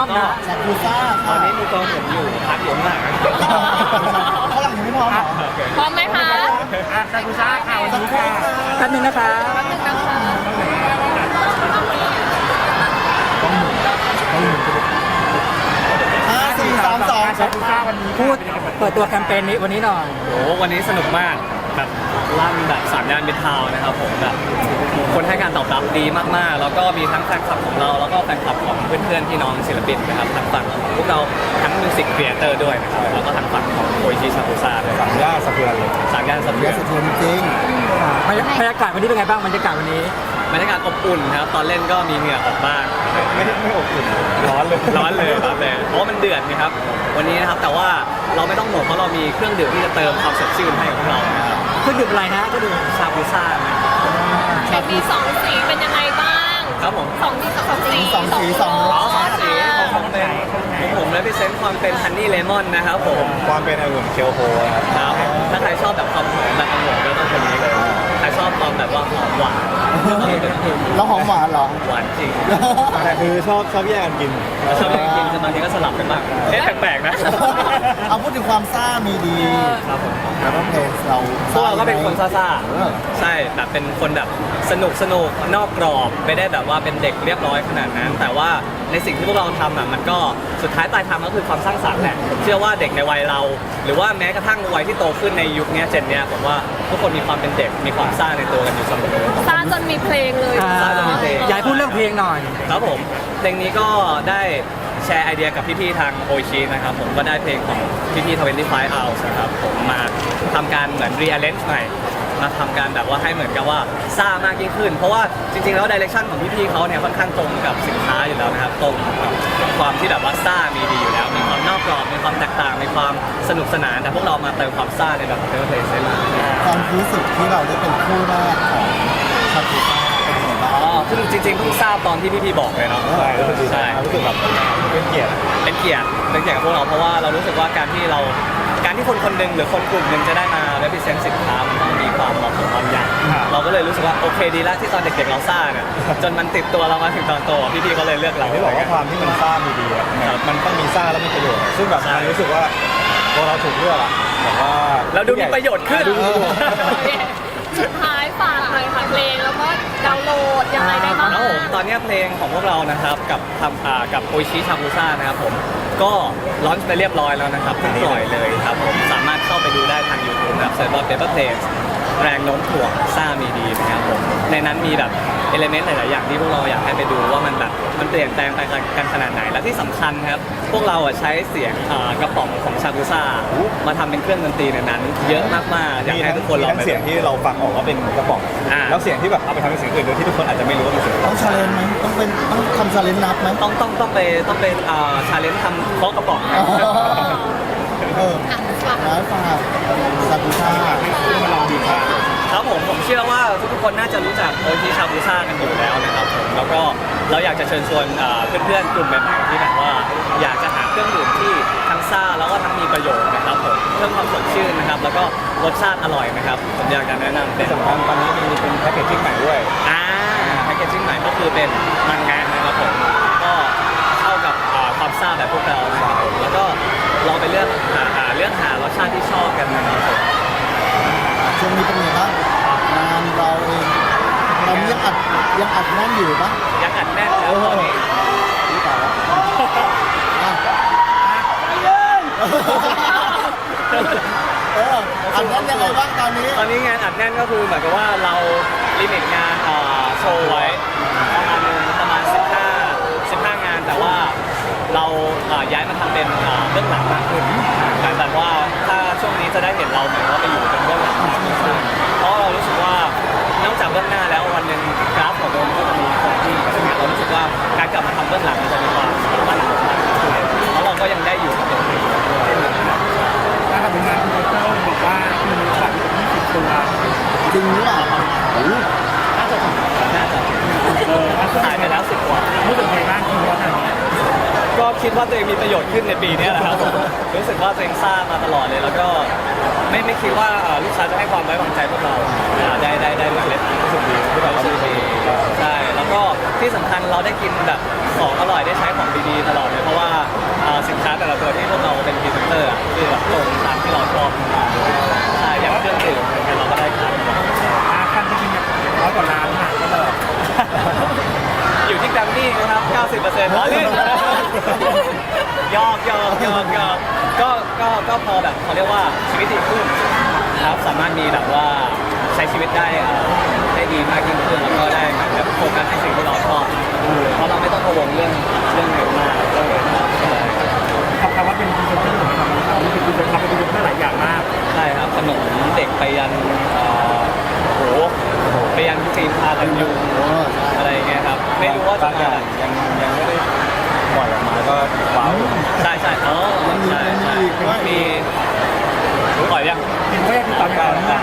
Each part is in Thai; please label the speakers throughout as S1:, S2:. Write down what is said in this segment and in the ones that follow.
S1: มนะ
S2: ซากุซ่า
S3: ตอนนี้มือกลองผมอยู่พักอยู่ข้างหลัง
S2: เขาหลังยังไม่พร้อมเหรอ
S4: พร้อมไหมคะ
S1: ซากุซ่าค่ะวันนี้ค่ะ
S2: แป๊บนึงนะคะ
S4: แป๊บนึงนะคะ
S2: 5 4 3 2
S1: ซากุซ่าวันนี้
S2: พูดเปิดตัวแคมเปญนี้วันนี้หน่อย
S3: โอ้วันนี้สนุกมากแบบลั่นแบบ3 ย่านมิตรทาวน์นะครับผมแบบคนให้การตอบรับดีมากๆแล้วก็มีทั้งแฟนคลับของเราแล้วก็แฟนคลับของเพื่อนๆพี่น้องศิลปินนะครับทั้งฝั่งของพวกเราทั้งมิวสิกครีเอเตอร์ด้วยนะครับแล้วก็ทั้งฝั่งของโออิชิซากุซ่าด้วย
S5: 3 ย่านสะเทือนเลย
S3: 3 ย่านสะเทื
S2: เย
S3: อ
S2: อะ
S3: น
S2: สุดทนจริง
S1: บรรยากาศวันนี้เป็นไงบ้างบรรยากาศวันนี้
S3: บรรยากาศอบอุ่นครับตอนเล่นก็มีเหงื่อออกบ้าง
S5: ไม่อบอุ่นร้อนเลย
S3: ร้อนเลยครับเลยเพราะว่ามันเดือดนะครับวันนี้นะครับแต่ว่าเราไม่ต้องห่วงเพราะเรามีเครื่องดื่มที่จะเติมความสดชื่นให้กับเรานะครับ
S1: เครื่องดื่มอะไรนะเครื่องดื่ม
S3: ซาบูซ่านะครับ
S4: เห็นมีสองสีเป็นยังไงบ้าง
S3: ครับผม
S4: สองสีสองสี
S2: สองสีสองร
S3: อ๋อ
S2: ส
S3: สีของผมเลยพิเศษความเป็นฮันนี่เลมอนนะครับผม
S5: ความเป็นองุ่นเคียวโฮครับ
S3: ครับถ้าใครชอบแบบความหอมแบบองุ่นก็ต้องคนนี้เลยใครชอบความแบบว่าหอมหวาน
S2: แล้วหอมหวานเหรอ
S3: หวานจริง
S5: แต่คือชอบแยกกันกิน
S3: ชอบกินบางทีก็สลับกันบ้างเอ๊ะแปลกๆนะ
S2: เอาพูดถึงความซ่ามีดี
S3: ครับผม
S2: แต่ว่าเพลงเรา
S3: พวกเราก็เป็นคนซ่า
S2: เออ
S3: ๆใช่แบบเป็นคนแบบสนุกนอกกรอบไม่ได้แบบว่าเป็นเด็กเรียบร้อยขนาดนั้น แต่ว่าในสิ่งที่พวกเราทำอ่ะมันก็สุดท้ายปลายทางก็คือความสร้างสรรค์แหละผมเชื่อว่าเด็กในวัยเรา หรือว่าแม้กระทั่งวัยที่โตขึ้นในยุคเนี้ยเจนเนี้ยผมว่าทุกคนมีความเป็นเด็กมีความซ่าในตัวกันอยู่เสมอ
S4: ซาจนมีเพลงเลย
S3: ซาจนมีเพลง
S1: อยากให้พูดเรื่องเพลงหน่อย
S3: ครับผมเพลงนี้ก็ได้แชร์ไอเดียกับพี่ๆทางโอชินะครับผมก็ได้เพลงของพี่ๆ25 hours นะครับผมมาทำการเหมือน rearrange ใหม่มาทำการแบบว่าให้เหมือนกับว่าซ่ามากยิ่งขึ้น เพราะว่าจริงๆแล้วดิเรกชันของพี่ๆเขาเนี่ยค่อนข้างตรงกับสินค้าอยู่แล้วนะครับตรงกับความที่แบบว่าซ่ามีดีอยู่แล้วมีความนอกกรอบมีความแตกต่างมีความสนุกสนานแต่พวกเรามาเติมความซ่าในแบบเทอร์เพลย์เซน
S2: ความรู้สึกที่เราได้เป็นคู่แรกของซากุซ่าเป็นยังไงบ้าง
S3: อ๋อคือจริงๆเพิ่งทราบตอนที่พี่ๆบอกเลยเนาะ
S5: ใช่รู้สึกดีใจ
S3: ใช่
S5: รู้สึกแบบเป็นเกียรติ
S3: เป็นเกียรติกับพวกเราเพราะว่าเรารู้สึกว่าการที่คนคนหนึ่งหรือคนกลุ่มหนึ่งจะได้มา represent สินค้ามันต้องมีความเหมาะสมบางอย่างเราก็เลยรู้สึกว่าโอเคดีแล้วที่ตอนเด็กๆเราซ่าเนี่ยจนมันติดตัวเรามาถึงตอนโตพี่ๆเขาเลยเลือกเรา
S5: ที่บอกว่าความที่มันซ่ามีดีอะมันต้องมีซ่าแล้วมีประโยชน์ ซึ่งแบบมันรู้สึกว่าพอเราถูกเลือกอะแบบว่า
S3: เราดูมีประโยชน์ขึ้น
S4: สุดท้ายฝากหน่อยค่ะเพลงแล้วก็ดาวน์โหลดยังไงได้บ้าง
S3: ครับผมตอนนี้เพลงของพวกเรานะครับกับโอชิชาบูซ่านะครับผมก็ลอนช์ไปเรียบร้อยแล้วนะครับเพิ่งปล่อยเลยครับผมสามารถเข้าไปดูได้ทาง YouTube นะครับเสิร์ชว่า Paper Planes แรงโน้มถ่วงซ่ามีดีนะครับผมในนั้นมีแบบเอลิเมนต์หลายๆอย่างที่พวกเราอยากให้ไปดูว่ามันแบบมันเปลี่ยนแปลงไปกันขนาดไหนและที่สำคัญครับพวกเราใช้เสียงกระป๋องของชาบูซ่ามาทำเป็นเครื่องดนตรีในนั้น เยอะมากๆอยาก
S5: มี
S3: ให้
S5: ทั้ง
S3: ทุกคนลอง
S5: ทั้ง
S3: ไป
S5: เสียงที่เราฟังออกว่าเป็นกระป๋อง แล้วเสียงที่แบบเอาไปทำเป็นเสียงอื่นโดยที่ทุกคนอาจจะไม่รู้ว่าเป็นเสียง
S2: ต้องชาเลนจ์ไหมต้องทำชาเลนจ์นับไหม
S3: ต้องไปชาเลนจ์ทำเคาะกระป๋องนะ
S2: เออร้านฝากซากุซ่า
S5: มาลองดูค่ะ
S3: ครับผมเชื่อว่าทุกๆคนน่าจะรู้จักโอชิชาบูซ่ากันอยู่แล้วนะครับผมแล้วก็เราอยากจะเชิญชวนเพื่อนๆกลุ่มใหม่ๆที่แบบว่าอยากจะหาเครื่องดื่มที่ทั้งซ่าแล้วก็ทั้งมีประโยชน์นะครับผมเพิ่มความสดชื่นนะครับแล้วก็รสชาติอร่อยนะครับผมอยากจะแนะนำเป็น
S5: ที่สำคัญตอนนี้มีเป็นแพ็กเกจจิ้งใหม่ด้วย
S3: แพคเกจจิ้งใหม่ก็คือเป็นมังงะนะครับผมก็เข้ากับความซ่าแบบพวกเรานะครับผมแล้วก็ลองไปเลือกหารสชาติที่ชอบกันนะครับผม
S2: ช่วงนี้เป็นไงบ้างงานเราเองเรายังอัดแน่นอยู่ปะ
S3: ยังอัดแน่นแล้วตอนนี้
S2: นี่ต่อแล้วอ่ะอัดแน่นยังไงบ้างตอนนี้
S3: ตอนนี้งานอัดแน่นก็คือเหมือนกับว่าเราลิมิตงานโชว์ไว้ประมาณนึงประมาณ15 งานแต่ว่าเราย้ายมาทำเป็นเบื้องหลังมากขึ้นหมายแบบว่าถ้าช่วงนี้จะได้เห็นเราเหมือนว่าไปอยู่เป็นเบื้องหลังมากขึ้นเพราะเรารู้สึกว่านอกจากเบื้องหน้าแล้ววันหนึ่งกราฟของเราก็จะมีคงที่เพราะฉะนั้นเรารู้สึกว่าการกลับมาทำเบื้องหลังมันจะมีความมั่นคงมากขึ้นเพราะเราก็ยังได้อยู่กับตัวเองด้วย
S1: การทำงานคุณเต้าบอกว่ามีสัตว์20 ตัว
S2: จริงหรือเปล่าโอ้โห
S3: น่าจะถ่ายไปแล้ว10 กว่า
S1: รู้สึกไงบ้างคุณว่าทางนี้
S3: ก็คิดว่าตัวเองมีประโยชน์ขึ้นในปีนี้แหละครับผมรู้สึกว่าตัวเองซ่ามาตลอดเลย แล้วก็ไม่คิดว่าลูกค้าจะให้ความไว้วางใจพวกเราได้เหมือนเล่นรู้สึกดีที่เรารู้สึกดีใช่แล้วก็ที่สำคัญเราได้กินแบบของอร่อยได้ใช้ของดีๆตลอดเลยเพราะว่าสินค้าแต่ละตัวที่พวกเราเป็นพรีเซนเตอร์คือแบบตรงตามที่เราชอบใช่อย่างเครื่องดื่มอย่างเงี้ยเราก็ได้ขาย
S1: ขั้นที่จริงเนี่ย100 กว่าล้านค่ะก็เลย
S3: อยู่ที่แกรมมี่นะครับ 90%ล้อเล่นยอกก็พอแบบเขาเรียกว่าชีวิตดีขึ้นครับสามารถมีแบบว่าใช้ชีวิตได้ดีมากยิ่งขึ้นแล้วก็ได้แบบโฟกัสในสิ่งที่เราชอบเพราะเราไม่ต้องกังวลเรื่องเงินมากเรื่องเงินมาก
S1: คำว่าเป็นพรีเซนเตอร์ของเราเป็นพรีเซนเตอร์หลายอย่างมาก
S3: ใช่ครับขนมเด็กไปยันโหไปยันฟิล์มพากันยุงอะไรอย่างเงี้ยครับไม่รู้ว่าจะ
S5: บางอ
S3: มา
S5: ย่างยังไม่ได้ปล่อยออกมาก็ว้าวอยู่
S3: ใช่มีปล่อยยัง
S1: เป็นแรกที่ตอนการนี่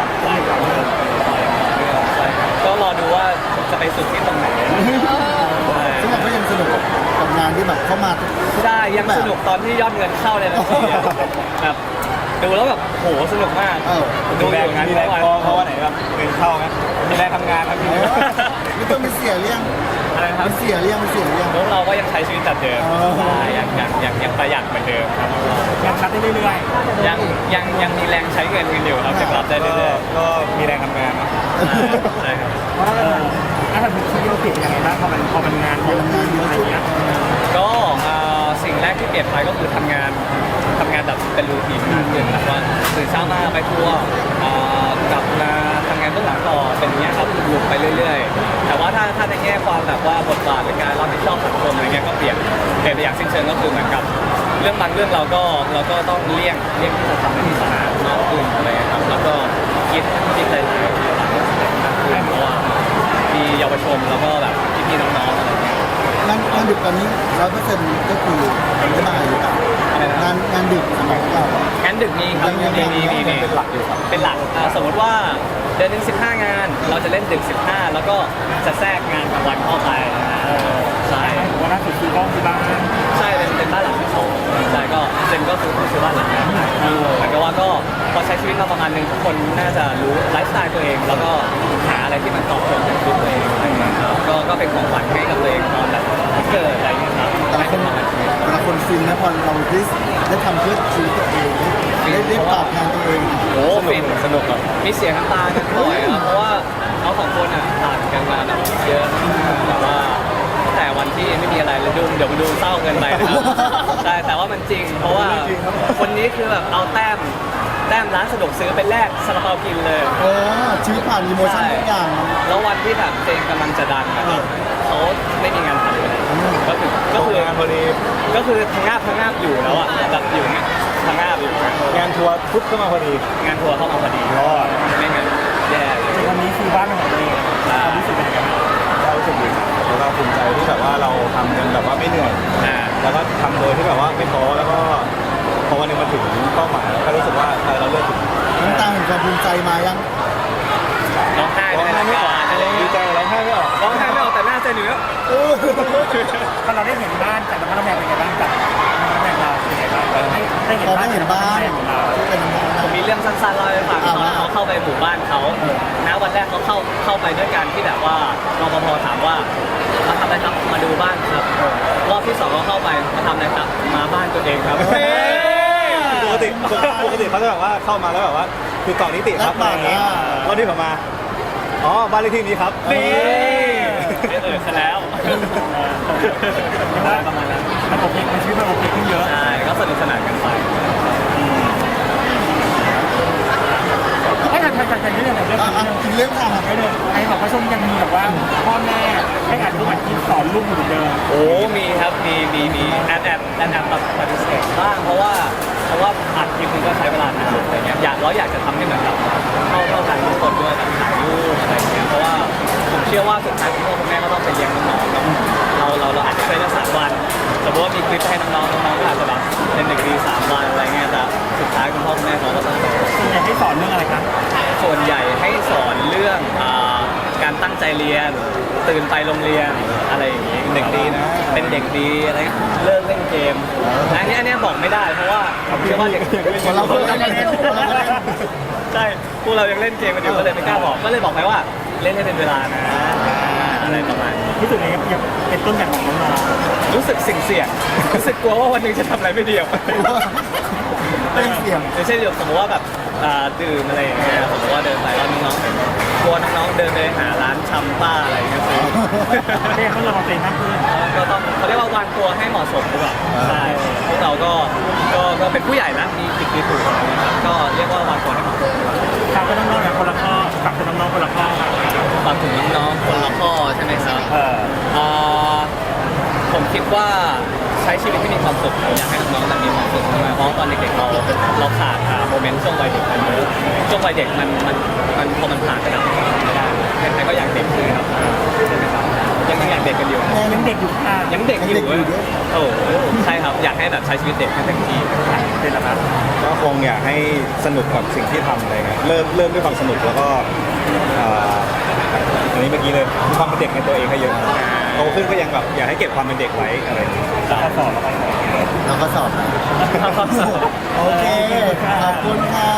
S3: ก็รอดูว่าจะไปสุดที่ตรงไหน
S2: ซึ่งเราก็ยังสนุกกับงานที่แบบเข้ามา
S3: ใช่ยังสนุกตอนที่ยอดเงินเข้าเลยนะแบบดูแล้วแบบโหสนุกมาก
S5: ดูแรงงานที่แรงเพราะว่าไหนแบบเงินเข้าไหมมีแรงทำงานครับพี่
S2: ไม่ต้องไปเสียเรื่อง
S3: อะไรครับ
S2: ไปเสียเรื่อง
S3: พวกเราก็ยังใช้ชีวิตแบบเดิมใช่ยังประหยัดเหมือนเดิมครับ
S1: ยังชัดได้เรื่อย
S3: ยังมีแรงใช้เงินกันอยู่ครับจะกลับได้เรื่อยๆ
S5: ก็มีแรงทำงานนะ
S3: ใช่ครับ
S1: ๆเพราะว่าถ้าทำเป็นที่โยติยังไงบ้างพอมันงานเยอะอะไรเงี้ย
S3: ก็สิ่งแรกที่เปลี่ยนไปก็คือทำงานแบบเป็นรูทีนมากขึ้นแบบว่าตื่นเช้ามาไปทัวร์กลับมาทำงานเบื้องหลังต่อเป็นอย่างเงี้ยครับลูปไปเรื่อยๆ แต่ว่าถ้าในแง่ความแบบว่าบทบาทในการรับผิดชอบสังคมอะไรเงี้ยก็เปลี่ยนไปอย่างสิ้นเชิงก็คือเหมือนกับเรื่องบางเรื่องเราก็ต้องเลี่ยงที่จะทำให้มีสนามมากขึ้นอะไรเงี้ยครับแล้วก็คิดหลายๆอย่างมากขึ้นเพราะว่ามีเยาวชนแล้วก็แบบพี่ๆน้องๆอะไรเงี้ย
S2: งานดึกตอนนี้100%ก็คือไม่มาอยู่กับงานดึกสำหรับเรา
S3: งั้นดึกมีครับมีเป็นหลักอยู่ครับเป็นหลักสมมติว่าเดือนหนึง15 งาน เราจะเล่นดึก15 แล้วก็จะแทรกงานกลางวันเข้าไปใช่
S1: วันล่าสุดคือห้องที่บ้าน
S3: ใช่เป็นบ้านหลังที่สองใช่ก็เจนก็คือบ้านหลังนี้เหมือนกับว่าก็พอใช้ชีวิตมาประมาณนึงทุกคนน่าจะรู้ไลฟ์สไตล์ตัวเอง แล้วก็หาอะไรที่มันตอบโจทย์กับชีวิตตัวเองอะไรอย่างเงี้ยครับก็เป็นของขวัญให้กับตัวเองตอนแบบเกิดอะไรอย่างเงี้ยครับ
S2: แต่ละคนฟินนะพอเราได้ทำเพื่อชีวิตตัวเองได้ตอบแทนตัวเอง
S3: โอ้ฟินสนุกอ่ะมีเสียงน้ำตากันบ่อยครับเพราะว่าเขาสองคนอ่ะผ่านกันมาแบบเยอะแต่ว่าแต่วันที่ไม่มีอะไรเลยเดี๋ยวมาดูเศร้าเกินไปนะครับใช่แต่ว่ามันจริง เพราะว่าคนนี้คือแบบเอาแต้มร้านสะดวกซื้อเป็นแรกซาลาเปากินเลย
S2: โอ้ชีวิตผ่านอีโมชั่นทุกอย่าง
S3: แล้ววันที่แบบเจงกำลังจะดังอะเขาไม่มีงานทำเลยก็คือง
S5: านพอดี
S3: ก็คือทางงาบอยู่แล้วอ่ะแบบอยู่เนี่ยทางงาบอยู่
S5: งานทัวร์ปุ๊บก็มาพอดี
S3: งานทัวร์เข้ามาพอดีไม่งั้นแย่เลย
S1: วันนี้คือบ้านของตัวเองความรู้สึกเป็นยังไงบ้าง
S5: ก็รู้สึกดีครับแล้วก็ภูมิใจที่แบบว่าเราทำกันแบบว่าไม่เหนื่อย แล้วก็ทำโดยที่แบบว่าไม่ท้อแล้วก็พอวันหนึงมาถึงเป้าหมายแล้วก็รู้สึกว่าเราเลือกถูก
S2: น้ำตาแห่งความภูมิใจมายัง
S3: ร้องไห้
S5: ร้องไห้ไม่ออกดีใจร้องไห้ไม่ออก
S3: ร้องไห้ไม่ออกแต่หน้าใจเหนือ
S1: พอเราได้เห็นบ้านแต่ละบ้านเป็นยังไงบ้างกับบ้านเราเป็นยังไงบ้างได้เห็น
S2: พอ
S1: บ้า
S2: ได้
S1: น
S2: เห็นบ้าน
S1: ของเรา
S2: เป็นยังไง
S3: ผมมีเรื่องสั้นๆเล่าให้ฟังเขาเข้าไปหมู่บ้านเขานะวันแรกเขาเข้าไปด้วยกันที่แบบว่ารปภถามว่ามาทำอะไรครับมาดูบ้านครับรอบที่สองเขาเข้าไปมาทำอะไรครับมาบ้านตัวเองครับ
S5: ปกติเขาจะแบบว่าเข้ามาแล้วแบบว่าคือต่อนิติครับอะไรอย่างเงี้ยวันที่ผมมาอ๋อบ้านเลขที่นี้ครับ
S3: นี่ซะแล้วประมาณนั้น
S1: มันโอเคมันชีวิตมันโอเคขึ้นเยอะ
S3: ใช่ก็สนุกสนานกันไป
S1: ให้ทำเรื่องอะไรเรื่อง
S2: กินเรื่องทาง
S1: ไม่เลยไอ้บอกว่าช่วงยังมีแบบว่าพ่อแม่ให้อ่านทุกวันคิดสอนลูกเหมือนเดิม
S3: โอ้มีครับมีแอบแบบปฏิเสธบ้างเพราะว่าอัดคลิปมันก็ใช้เวลานานอะไรเงี้ยอยากจะทำให้เหมือนกับเข้าใจทุกคนด้วยแบบถ่ายรูปอะไรเงี้ยเพราะว่าผมเชื่อว่าสุดท้ายคุณพ่อคุณแม่ก็ต้องไปเลี้ยงน้องๆเนาะเราอาจจะเคยได้3 วันสมมติว่ามีคลิปให้น้องๆก็อาจจะแบบเป็น1 ปี 3 วันอะไรเงี้ยแต่สุดท้ายคุณพ่อคุณแม่เขาก็ต้อง
S1: ส่วนใหญ่ให้สอนเรื่องอะไรครับ
S3: ส่วนใหญ่ให้สอนเรื่องการตั้งใจเรียนตื่นไปโรงเรียนอะไรอย่างงี้เด็กดีนะเป็นเด็กดีอะไรเลิกเล่นเกมอันนี้บอกไม่ได้เพราะว่าผมเชื่อว่าเด็ก
S2: คนเราคนเล่น
S3: ใช่พวกเรายังเล่นเกมกันอยู่ก็เลยไม่กล้าบอกก็เลยบอกไปว่าเล่นให้เป็นเวลานะอะไรประมาณนี้
S1: รู้สึกไงครับยังเป็นต้นแบบของน้อง
S3: รู้สึกเสี่ยงรู้สึกกลัวว่าวันหนึ่งจะทำอะไรไม่ดีออกไป
S2: เป็นเสียง
S3: อย่างเช่นสมมติว่าแบบดื่มอะไรอย่างเงี้ยสมมติว่าเดินไปแล้วน้องๆเห็นกลัวน้องๆเดินไปหาร้านชำป้าอะไรอย่างเงี้ยซื้อ
S1: ๆได้เขาเราตัวเองมากขึ้น
S3: ก็ต้องเขาเรียกว่าวางตัวให้เหมาะสมดีกว่าใช่พวกเราก็เป็นผู้ใหญ่แล้วมีผิดมีถูกอะไรเงี้ยครับก็เรียกว่าวางตัวให้เหมาะสม
S1: ฝากไปน้องๆแบบคนละข้อฝากไปน้องๆคนละข้อครับ
S3: ฝากถึงน้องๆคนละข้อใช่ไหมครับผมคิดว่าใช้ชีวิตที่มีความสุขผมอยากให้น้องๆมีความสุขมากเพราะตอนเด็กๆเราขาดโมเมนต์ช่วงวัยเด็กมันเยอะช่วงวัยเด็กมันพอมันผ่านไปแล้วไม่ได้ใครๆก็อยากเด็กคือครับใช่ไหมครับยังอยากเด็กกันอยู่
S1: ยังเด็กอยู่ค่ะ
S3: ยังเด็กอยู่โอ้ใช่ครับอยากให้แบบใช้ชีวิตเด็กให้เต็มที่
S1: เป็นแล้วครับ
S5: ก็คงอยากให้สนุกกับสิ่งที่ทำอะไรเงี้ยเริ่มด้วยความสนุกแล้วก็อันนี้เมื่อกี้เลยมีความเป็นเด็กในตัวเองให้เยอะโตขึ้นก็ยังแบบอยากให้เก็บความเป็นเด็กไว้อะไรอย่างเงี้ย
S1: แล้วก็สอบแล้วก็สอบ
S2: เราก็สอบนะ
S3: ครับ
S2: โอเค ขอบคุณค่ะ